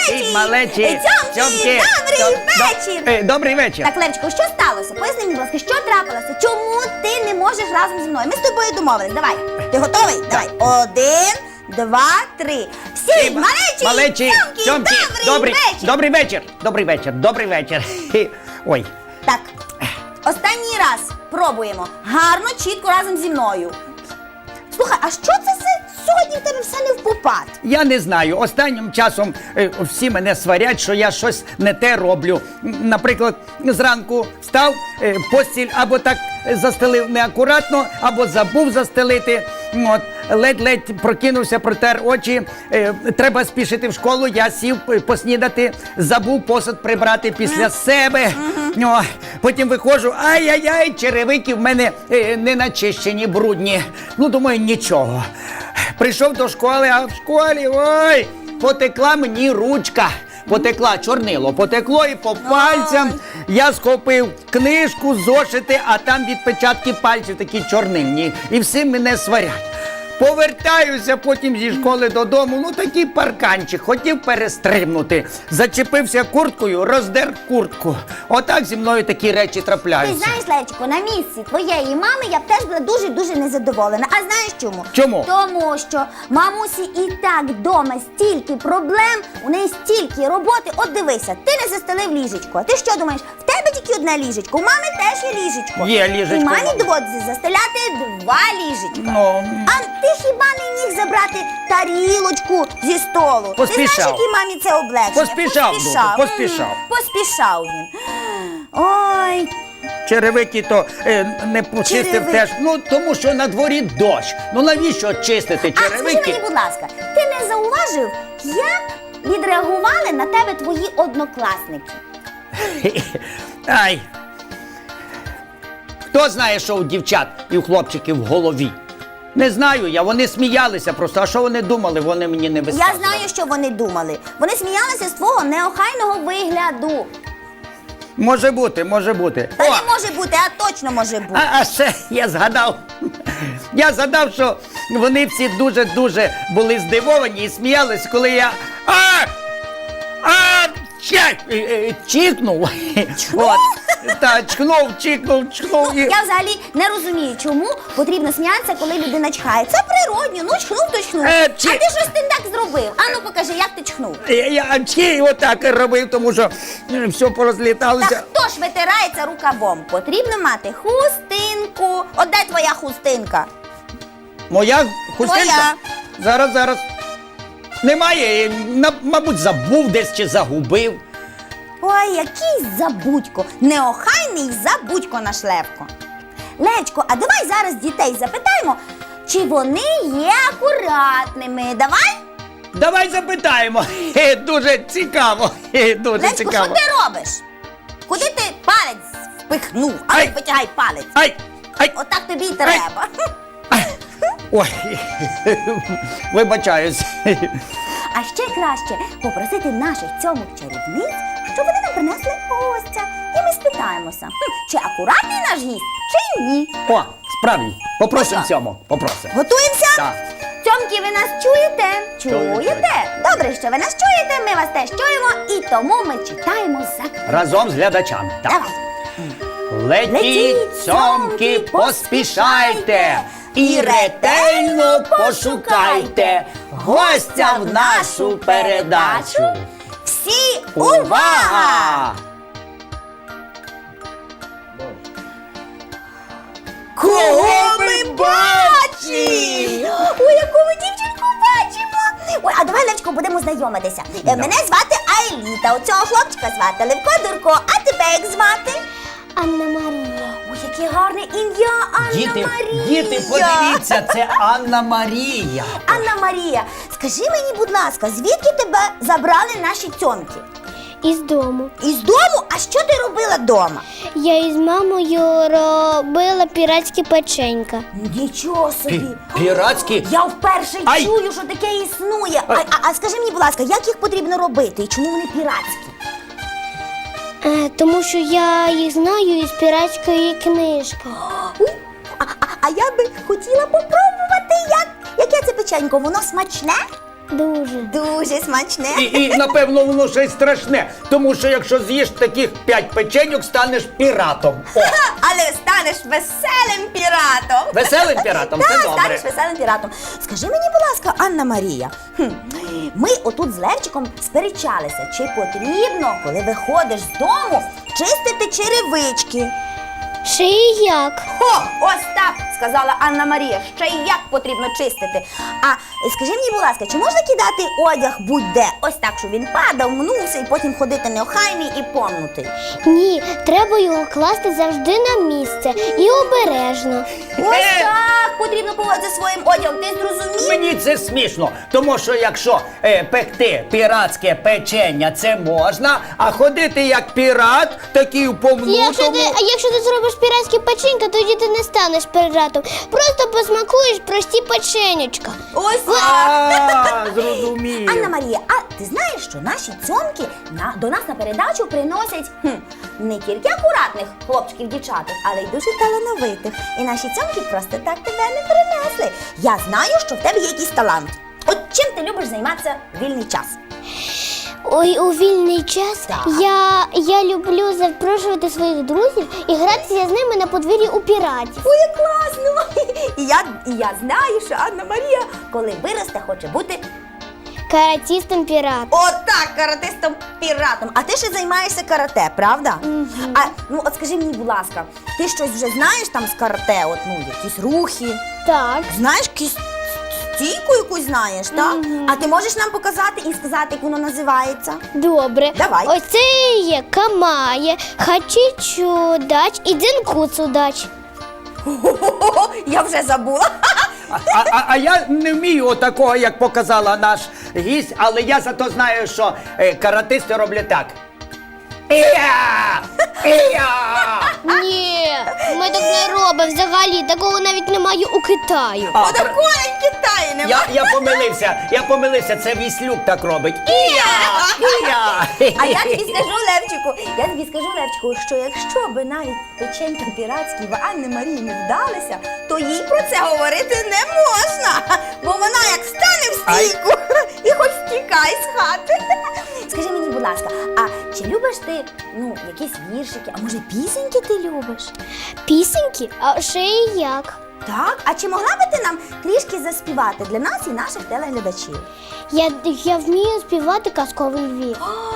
малечі, цьомки, добрий вечір. Добрий вечір. Так, Левчику, що сталося? Поясни мені, будь ласка, що трапилося? Чому ти не можеш разом зі мною? Ми з тобою домовились. Давай. Ти готовий? Давай. 1, 2, 3. Всі, малечі, цьомки, добрий вечір. Добрий вечір. Ой. Так, останній раз пробуємо. Гарно, чітко разом зі мною. Слухай, а що це сьогодні в тебе все не впопад? Я не знаю. Останнім часом всі мене сварять, що я щось не те роблю. Наприклад, зранку встав, постіль або так застелив неакуратно, або забув застелити. От, ледь-ледь прокинувся, протер очі. Треба спішити в школу, я сів поснідати, забув посуд прибрати після себе. О, потім виходжу, ай-яй-яй, черевики в мене не начищені, брудні. Ну, думаю, нічого. Прийшов до школи, а в школі, ой, потекла мені ручка. Потекла, чорнило потекло і по пальцям. Я схопив книжку, зошити, а там відпечатки пальців такі чорнильні. І всі мене сварять. Повертаюся потім зі школи додому, ну такий парканчик, хотів перестрибнути. Зачепився курткою, роздер куртку. Отак зі мною такі речі Ти трапляються. знаєш, Левчику, на місці твоєї мами я б теж була дуже-дуже незадоволена. А знаєш чому? Чому? Тому що мамусі і так вдома стільки проблем, у неї стільки роботи. От дивися, ти не застелив ліжечко. А ти що думаєш, в тебе тільки одне ліжечко, у мами теж є ліжечко. Є ліжечко. І мамі доводиться застеляти 2 ліжечка. Ну. А ти хіба не міг забрати тарілочку зі столу? Поспішав. Ти знаєш, якій мамі це облегшення? Поспішав. Поспішав він. Ой, Черевики то не почистив Черевики. теж. Ну, тому що на дворі дощ. Ну, навіщо чистити а скажи черевики? мені, будь ласка, ти не зауважив, як відреагували на тебе твої однокласники? Ай. Хто знає, що у дівчат і у хлопчиків в голові? Не знаю я, вони сміялися просто, а що вони думали, вони мені не висказували. Я знаю, що вони думали. Вони сміялися з твого неохайного вигляду. Може бути, може бути. Та О, не може бути, а точно може бути. а ще я згадав. Я згадав, що вони всі дуже-дуже були здивовані і сміялись, коли я чікнув. От. Та, чхнув. І... Я взагалі не розумію, чому потрібно сміятися, коли людина чхає. Це природньо, ну чхнув, то чхнув. А ти щось ти так зробив. Ану покажи, як ти чхнув. Я отак робив, тому що все порозліталося. Та хто ж витирається рукавом? Потрібно мати хустинку. От де твоя хустинка? Моя хустинка? Твоя. Зараз. Немає, мабуть, забув десь чи загубив. Ой, який забудько. Неохайний забудько наш Левко. Левчко, а давай зараз дітей запитаємо, чи вони є акуратними. Давай? Давай запитаємо. Дуже цікаво. Дуже Левчко, цікаво. що ти робиш? Куди ти палець впихнув? А Ай. ну витягай палець. Ай! Отак тобі й треба. Ой, вибачаюсь. А ще краще попросити наших цьомок чарівниць, щоб вони нам принесли гостя. І ми спитаємося, чи акуратний наш гість, чи ні. О, справді, попросимо Ну що? цьому, попросимо. Готуємося? Так. Цьомки, ви нас чуєте? Чуєте? Добре, що ви нас чуєте, ми вас теж чуємо, і тому ми читаємо за Разом з глядачами. Так. Давай. Летіть, цьомки, поспішайте і ретельно пошукайте гостя в нашу передачу. Всі увага! Кого ми бачимо? Ой, яку ми дівчинку бачимо! Ой, а давай, Левчко, будемо знайомитися. Мене звати Айліта, у цього хлопчика звати Левко Дурко, а тебе як звати? Анна Марія. Ой, яке гарне ім'я, Анна Марія! Діти, подивіться, це Анна Марія. Анна Марія, скажи мені, будь ласка, звідки тебе забрали наші цьомки? Із дому. Із дому? А що ти робила вдома? Я із мамою робила піратські печенька. Нічого собі. Піратські? Я вперше Ай! чую, що таке існує. А скажи мені, будь ласка, як їх потрібно робити і чому вони піратські? Тому що я їх знаю із піратської книжки. А я би хотіла попробувати, яке це печенько. Воно смачне? Дуже. Дуже смачне. І напевно, воно ще й страшне. Тому що якщо з'їш таких 5 печеньок, станеш піратом. О, Але станеш веселим піратом. веселим піратом, це Так, добре. станеш веселим піратом. Скажи мені, будь ласка, Анна Марія, ми отут з Левчиком сперечалися, чи потрібно, коли виходиш з дому, чистити черевички. Ще і як? О, ось так, сказала Анна Марія, ще й як потрібно чистити. А скажи мені, будь ласка, чи можна кидати одяг будь-де? Ось так, щоб він падав, мнувся і потім ходити неохайний і помнутий. Ні, треба його класти завжди на місце і обережно. Ось так потрібно поводитися своїм одягом, ти зрозумів? Мені це смішно, тому що якщо пекти піратське печення, це можна, а ходити як пірат, такий у повнутому... А якщо ти зробиш піратські печенька, тоді ти не станеш піратом. Просто посмакуєш прості печенючка. Ось так. Зрозумів. Анна Марія, а ти знаєш, що наші цьомки до нас на передачу приносять не тільки акуратних хлопчиків, дівчаток, але й дуже талановитих. І наші цьомки просто так тебе не принесли. Я знаю, що в тебе є якийсь талант. От чим ти любиш займатися в вільний час? Ой, у вільний час Так. я люблю запрошувати своїх друзів і гратися з ними на подвір'ї у піратів. Ой, як класно! І я знаю, що Анна Марія, коли виросте, хоче бути Каратістом піратом. отак, каратистом-піратом. А ти ще займаєшся карате, правда? А ну от скажи мені, будь ласка, ти щось вже знаєш там з карате? От ну якісь рухи? Так. Знаєш, якусь стійку якусь знаєш, так? А ти можеш нам показати і сказати, як воно називається? Добре. Давай. Ось це є камає, хачічудач і дзинкуцудач. Хо-хо-хо, я вже забула. А я не вмію отакого, як показала наш гість, але я зато знаю, що каратисти роблять так. Ія! Ія! Ні, ми так не робимо взагалі, такого навіть немає у Китаю. А, Такої в Китаї немає. я помилився, це Віслюк так робить. Ія! Ія! А я тобі скажу, Левчику, що якщо би навіть печеньки піратські в Анни Марії не вдалися, то їй про це говорити не можна. Бо вона як стане в стійку і хоч втікай з хати. Скажи мені, будь ласка, а чи любиш ти, якісь віршики, а може пісеньки ти любиш? Пісеньки? А ще і як? Так? А чи могла би ти нам трішки заспівати для нас і наших телеглядачів? Я вмію співати казковий Львів.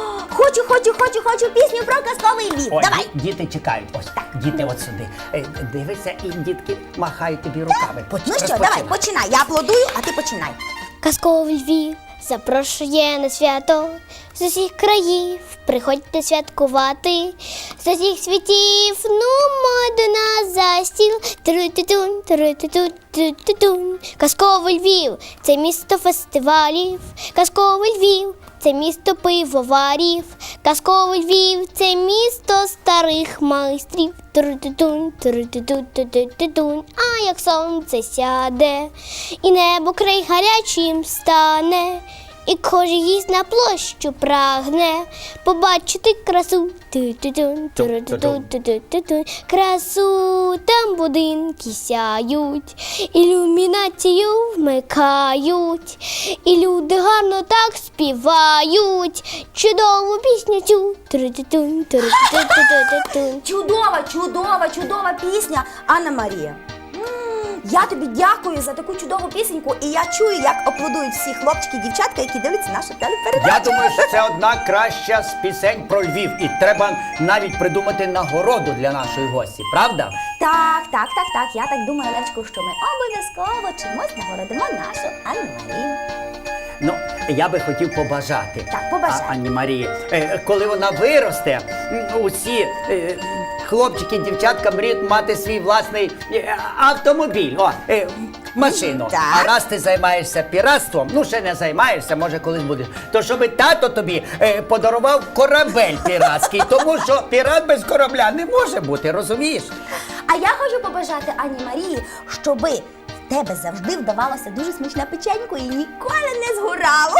Хочу пісню про казковий Львів. Ой, Давай. діти чекають. Ось так, діти от сюди. Дивися, і дітки махають тобі руками. Ну що, давай, починай. Я аплодую, а ти починай. Казковий Львів запрошує на свято з усіх країв. Приходьте святкувати з усіх світів. Нумо до нас за стіл. Тру-ту-тун, тру-ту-ту-ту-ту-тун. Казковий Львів – це місто фестивалів. Казковий Львів – це місто пивоварів. Казковий Львів – це місто старих майстрів. Тру-ту-тун, тру-ту-ту-ту-ту-тун. А як сонце сяде, і небо край гарячим стане, і кожен гість на площу прагне побачити красу. Ту-ту-тун, тру-ту-ту-ту-ту-тун. Красу, там будинки сяють, ілюмінацію вмикають, і люди гарно так співають чудову пісню цю. Тру-ту-тун, тру-ту-ту-ту-ту-тун. Чудова пісня, Анна Марія. Я тобі дякую за таку чудову пісеньку, і я чую, як аплодують всі хлопчики і дівчатка, які дивляться нашу телепередачу. Я думаю, що це одна краща з пісень про Львів. І треба навіть придумати нагороду для нашої гості, правда? Так. Я так думаю, Левчику, що ми обов'язково чимось нагородимо нашу Анну Марію. Ну, я би хотів побажати Так, побажай. Анні Марії, коли вона виросте, усі хлопчики і дівчатка мріють мати свій власний автомобіль, машину. Так. А раз ти займаєшся піратством, ще не займаєшся, може колись будеш, то щоб тато тобі подарував корабель піратський, тому що пірат без корабля не може бути, розумієш? А я хочу побажати Анні Марії, щоби в тебе завжди вдавалося дуже смачне печенько і ніколи не згорало.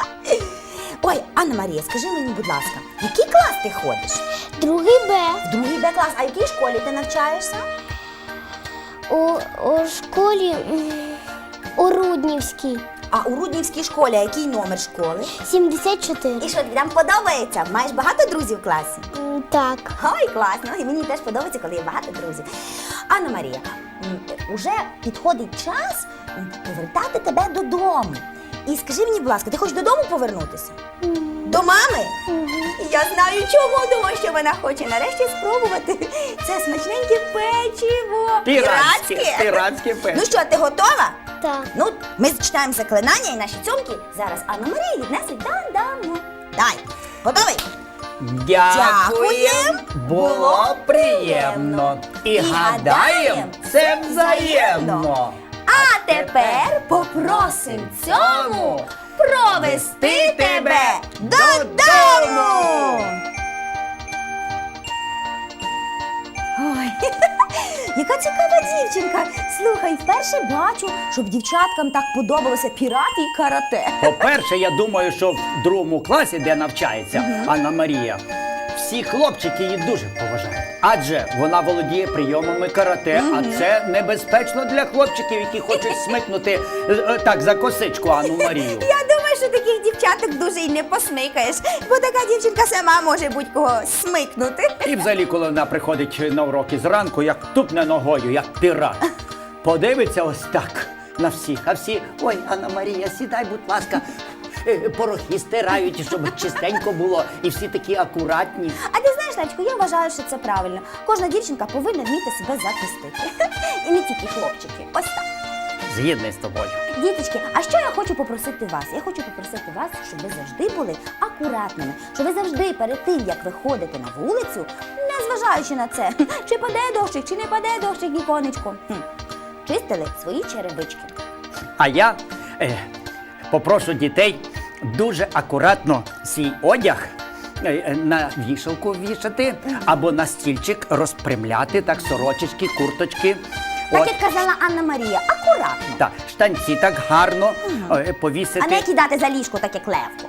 Ой, Анна Марія, скажи мені, будь ласка, в який клас ти ходиш? Другий Б. В другий Б клас. А в якій школі ти навчаєшся? У школі у Руднівській. А у Руднівській школі який номер школи? 74. І що, тобі там подобається? Маєш багато друзів в класі? Так. Ой, класно. І мені теж подобається, коли є багато друзів. Анна Марія, уже підходить час повертати тебе додому. І скажи мені, будь ласка, ти хочеш додому повернутися? До мами? Я знаю чому, тому що вона хоче нарешті спробувати це смачненьке печиво. Піратське печиво. Ну що, ти готова? Так. Ну, ми зачитаємо заклинання і наші цьомки зараз Анна Марія віднесуть додому. Дай, готовий? Дякуєм, було приємно. І гадаєм, це взаємно. А тепер попросим цьому провести тебе додому. Ой, яка цікава дівчинка. Слухай, вперше бачу, щоб дівчаткам так подобалося пірати і карате. По-перше, я думаю, що в 2 класі, де навчається Анна Марія, всі хлопчики її дуже поважають. Адже вона володіє прийомами карате, а це небезпечно для хлопчиків, які хочуть смикнути так за косичку Анну Марію. Я думаю, що таких дівчаток дуже й не посмикаєш, бо така дівчинка сама може будь-кого смикнути. І взагалі, коли вона приходить на уроки зранку, як тупне ногою, як пірат, подивиться ось так на всіх, а всі: ой, Анна Марія, сідай, будь ласка, порохи стирають, щоб чистенько було, і всі такі акуратні. А ти знаєш, Левчику, я вважаю, що це правильно. Кожна дівчинка повинна вміти себе захистити. І не тільки хлопчики. Ось так. Згідний з тобою. Діточки, а що я хочу попросити вас? Я хочу попросити вас, щоб ви завжди були акуратними, щоб ви завжди перед тим, як виходите на вулицю, незважаючи на це, чи паде дощик, чи не паде дощик, віконечко, чистили свої черевички. А я попрошу дітей дуже акуратно свій одяг на вішалку вішати або на стільчик розпрямляти, так, сорочечки, курточки. Так, як казала Анна Марія, акуратно. Так, штанці так гарно повісити. А не кидати за ліжко, так як Левко.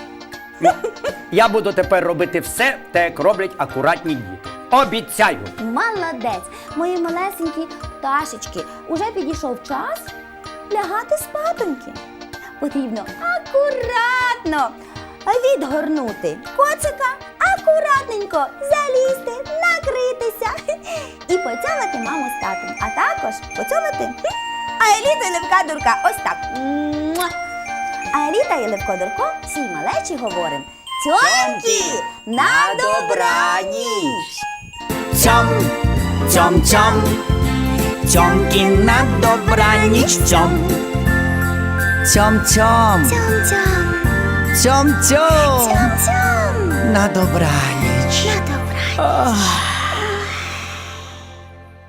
Я буду тепер робити все, так як роблять акуратні діти. Обіцяю. Молодець, мої малесенькі пташечки. Уже підійшов час лягати спатоньки. Потрібно акуратно відгорнути коцика, акуратненько залізти, накритися і поцьомати маму з татом. А також поцьомати Аеліту і Левка Дурка. Ось так. Муа! Аеліта і Левко Дурко всій малечі говоримо: цьомки, на добраніч! Цьом, цьом, цьом, цьомки на добраніч, цьом. Цьом, цьом, Цьом-цьом. цьом, цьом, Цьом-цьом. на добраніч. На добраніч.